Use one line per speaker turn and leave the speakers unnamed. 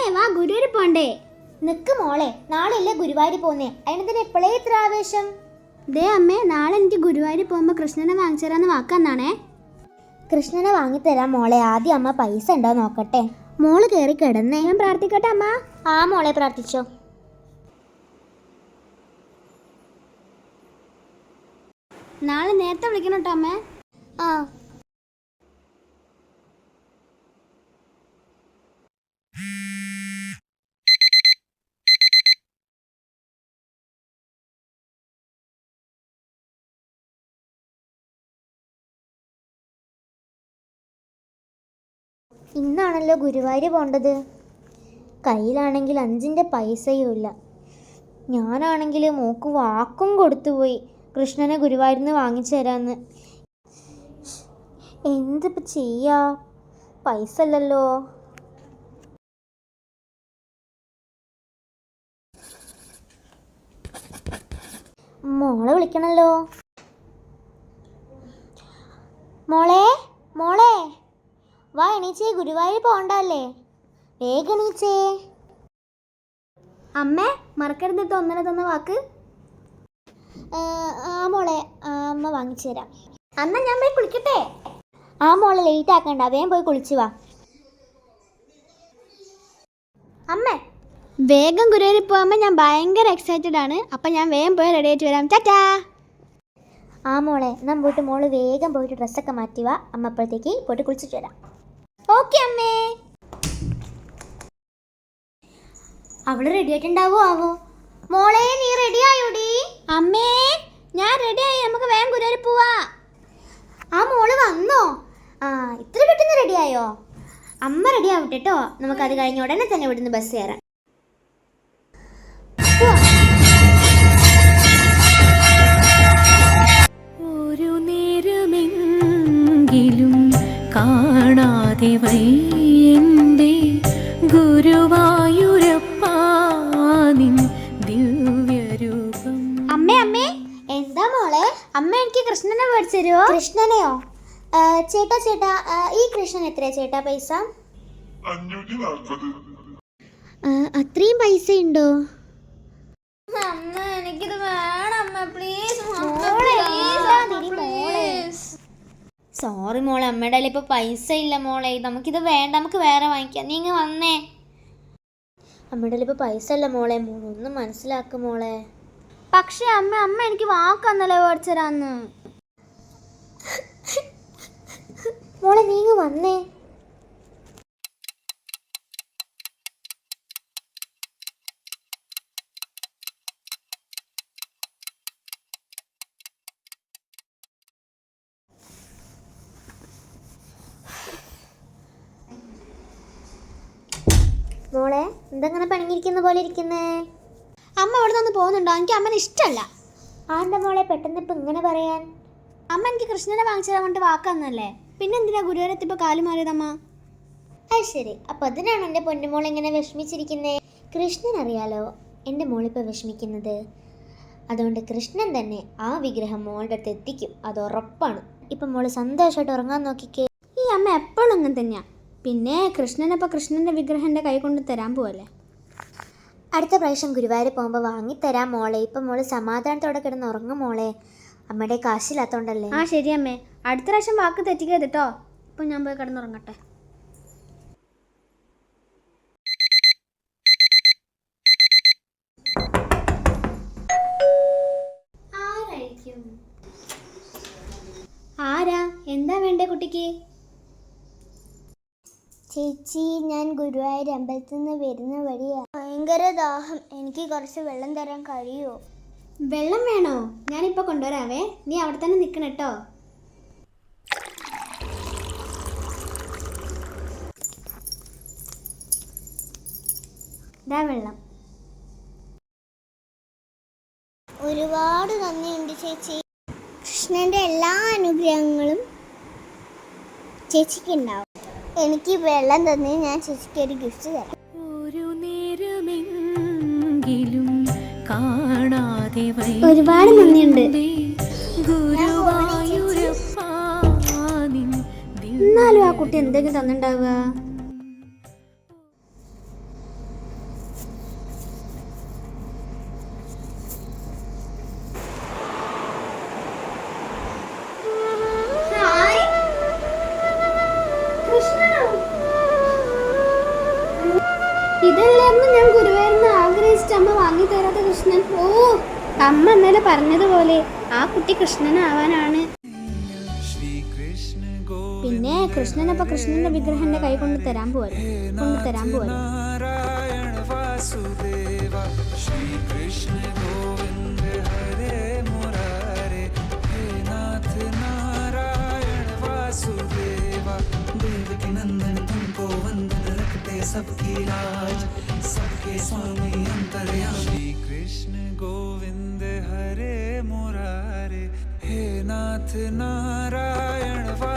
വാ ഗുരുവായൂർ പോണ്ടേ?
നിക്ക് മോളെ, നാളെയല്ലേ ഗുരുവായൂർ പോന്നേ, അതിനെന്തിനാ എപ്പോഴേ ഇത്ര ആവേശം?
ദേ അമ്മേ, നാളെ എനിക്ക് ഗുരുവായൂർ പോകുമ്പോൾ കൃഷ്ണനെ വാങ്ങിച്ചു തരാന്ന് വാക്കാന്നാണേ.
കൃഷ്ണനെ വാങ്ങിത്തരാം മോളെ, ആദ്യം അമ്മ പൈസ ഉണ്ടോ നോക്കട്ടെ.
മോള് കയറി കിടന്നേ, ഞാൻ പ്രാർത്ഥിക്കട്ടെ അമ്മ?
ആ മോളെ പ്രാർത്ഥിച്ചോ.
നാളെ നേരത്തെ വിളിക്കണം കേട്ടോ അമ്മേ.
ആ ഇന്നാണല്ലോ ഗുരുവായൂർ പോണ്ടത്. കയ്യിലാണെങ്കിൽ 5 പൈസയും ഇല്ല. ഞാനാണെങ്കിൽ മോക്ക് വാക്കും കൊടുത്തുപോയി കൃഷ്ണനെ ഗുരുവായൂരിൽ നിന്ന് വാങ്ങിച്ചു തരാമെന്ന്. എന്തിപ്പോൾ ചെയ്യാ, പൈസ ഇല്ലല്ലോ. മോളെ വിളിക്കണല്ലോ. മോളെ മോളെ വാ, എണീച്ചേ, ഗുരുവായൂർ പോണ്ടല്ലേ, വേഗം എണീച്ചേ.
അമ്മേ മറക്കരുത് ഒന്നര തന്ന വാക്ക്.
ആ മോളെ, അമ്മ വാങ്ങിച്ചു തരാം.
അന്നാ ഞാൻ പോയി കുളിക്കട്ടെ?
ആ മോളെ ലേറ്റ് ആക്കണ്ട, വേഗം പോയി കുളിച്ചു വാ.
അമ്മേ വേഗം ഗുരുവായൂർ പോകുമ്പോൾ ഞാൻ ഭയങ്കര എക്സൈറ്റഡ് ആണ്. അപ്പം ഞാൻ വേഗം പോയി റെഡി ആയിട്ട് വരാം. ടാറ്റാ.
ആ മോളെ, നമ്മൾ പോയിട്ട് മോള് വേഗം പോയിട്ട് ഡ്രസ്സൊക്കെ മാറ്റി വാ, അമ്മ അപ്പോഴത്തേക്ക് പോയിട്ട് കുളിച്ചിട്ട് വരാം.
ഓക്കെ അമ്മേ.
അവള് റെഡി ആയിട്ടുണ്ടാവോ ആവോ? മോളെ നീ റെഡി ആയോടി?
അമ്മേ ഞാൻ റെഡിയായി, നമുക്ക് വേഗം ഗുരുവായൂർ പോവാ.
ആ മോള് വന്നോ? ആ ഇത്ര പെട്ടെന്ന് റെഡി ആയോ? അമ്മ റെഡി ആവട്ടെ കേട്ടോ, നമുക്കത് കഴിഞ്ഞ ഉടനെ തന്നെ ഇവിടുന്ന് ബസ് കയറാം.
ഒരു നേരമെങ്കിലും കാണാതെ വയ്യന്റെ ഗുരുവായൂരപ്പാ നിൻ ദിവ്യരൂപം.
അമ്മേ അമ്മേ.
എന്താ മോളെ?
അമ്മ എനിക്ക് കൃഷ്ണനെ മേടിച്ചു തരുമോ?
കൃഷ്ണനെയോ? ചേട്ടാ ചേട്ടാ, ഈ കൃഷ്ണൻ എത്രയാ ചേട്ടാ പൈസ?
540.
അത്രയും പൈസ ഉണ്ടോ?
അമ്മ എനിക്കിത് വേണം അമ്മ, പ്ലീസ്. സോറി മോളെ, അമ്മയുടെ കയ്യിൽ ഇപ്പോൾ പൈസ ഇല്ല മോളെ, നമുക്കിത് വേണ്ട, നമുക്ക് വേറെ വാങ്ങിക്കാം. നീ ഇങ്ങ് വന്നേ. അമ്മയുടെ കയ്യിൽ ഇപ്പോൾ പൈസ ഇല്ല മോളെ, മോളൊന്നും മനസ്സിലാക്കും മോളെ.
പക്ഷേ അമ്മ എനിക്ക് വാക്കന്നല്ലേ മേടിച്ചു തരാന്ന്.
മോളെ നീ ഇങ്ങ് വന്നേ. മോളെ എന്തെങ്ങനെ പണിങ്ങിരിക്കുന്ന പോലെ ഇരിക്കുന്നേ?
അമ്മ അവിടെ നിന്ന് പോകുന്നുണ്ടോ? എനിക്ക് അമ്മനെ ഇഷ്ടമല്ല.
ആരുടെ മോളെ പെട്ടെന്ന് ഇപ്പം ഇങ്ങനെ പറയാൻ?
അമ്മ എനിക്ക് കൃഷ്ണനെ വാങ്ങിച്ചു തരാൻ വേണ്ടി വാക്കാന്നല്ലേ, പിന്നെ എന്തിനാ ഗുരുവായൂരത്തിപ്പോൾ കാലു മാറിയതമ്മ?
അത് ശരി, അപ്പം അതിനാണ് എൻ്റെ പൊന്നുമോൾ ഇങ്ങനെ വിഷമിച്ചിരിക്കുന്നേ. കൃഷ്ണൻ അറിയാലോ എൻ്റെ മോളിപ്പോൾ വിഷമിക്കുന്നത്, അതുകൊണ്ട് കൃഷ്ണൻ തന്നെ ആ വിഗ്രഹം മോളുടെ അടുത്ത് എത്തിക്കും, അത് ഉറപ്പാണ്. ഇപ്പം മോള് സന്തോഷമായിട്ട് ഉറങ്ങാൻ നോക്കിക്കേ.
ഈ അമ്മ എപ്പോഴും അങ്ങനെ തന്നെയാണ്. പിന്നെ കൃഷ്ണനപ്പോൾ കൃഷ്ണൻ്റെ വിഗ്രഹം എൻ്റെ കൈ കൊണ്ട് തരാൻ പോവല്ലേ.
അടുത്ത പ്രാവശ്യം ഗുരുവായൂർ പോകുമ്പോൾ വാങ്ങിത്തരാം മോളെ. ഇപ്പം മോള് സമാധാനത്തോടെ കിടന്ന് ഉറങ്ങും മോളെ, അമ്മയുടെ കാശില്ലാത്തോണ്ടല്ലേ.
ആ ശരി അമ്മേ, അടുത്ത പ്രാവശ്യം വാക്ക് തെറ്റിക്കരുത് കേട്ടോ. ഇപ്പം ഞാൻ പോയി കിടന്നുറങ്ങട്ടെ. ആരാ? എന്താ വേണ്ടേ കുട്ടിക്ക്?
ചേച്ചി, ഞാൻ ഗുരുവായൂർ അമ്പലത്തിൽ നിന്ന് വരുന്ന വഴിയാണ്, ഭയങ്കര ദാഹം, എനിക്ക് കുറച്ച് വെള്ളം തരാൻ കഴിയുമോ?
വെള്ളം വേണോ? ഞാനിപ്പോൾ കൊണ്ടുവരാവേ, നീ അവിടെ തന്നെ നിൽക്കണം കേട്ടോ. ഇതാ വെള്ളം.
ഒരുപാട് നന്ദിയുണ്ട് ചേച്ചി. കൃഷ്ണന്റെ എല്ലാ അനുഗ്രഹങ്ങളും ചേച്ചിക്ക് ഉണ്ടാവും. എനിക്ക് വെള്ളം തന്നെ, ഞാൻ ചേച്ചിക്ക് ഒരു ഗിഫ്റ്റ് തരാം.
ഒരു നേരമെങ്കിലും കാണാതെ
ഒരുപാട് നന്ദിയുണ്ട്.
ഗുരുവായൂരപ്പാ നിൻ
എന്നാലും ആ കുട്ടി എന്തെങ്കിലും തന്നിട്ടുണ്ടാവുക. ഗിഫ്റ്റ് അമ്മ വാങ്ങി തരാത്ത കൃഷ്ണൻ. ഓ, അമ്മ ഇന്നലെ പറഞ്ഞതുപോലെ ആ കുട്ടി കൃഷ്ണനാവാനാണ്. പിന്നെ കൃഷ്ണനപ്പോ കൃഷ്ണന്റെ വിഗ്രഹം എന്റെ കൈ കൊണ്ട് തരാൻ പോവാ.
सबकी लाज सबके स्वामी अंतर्यामी श्री कृष्ण गोविंद हरे मुरारे हे नाथ नारायण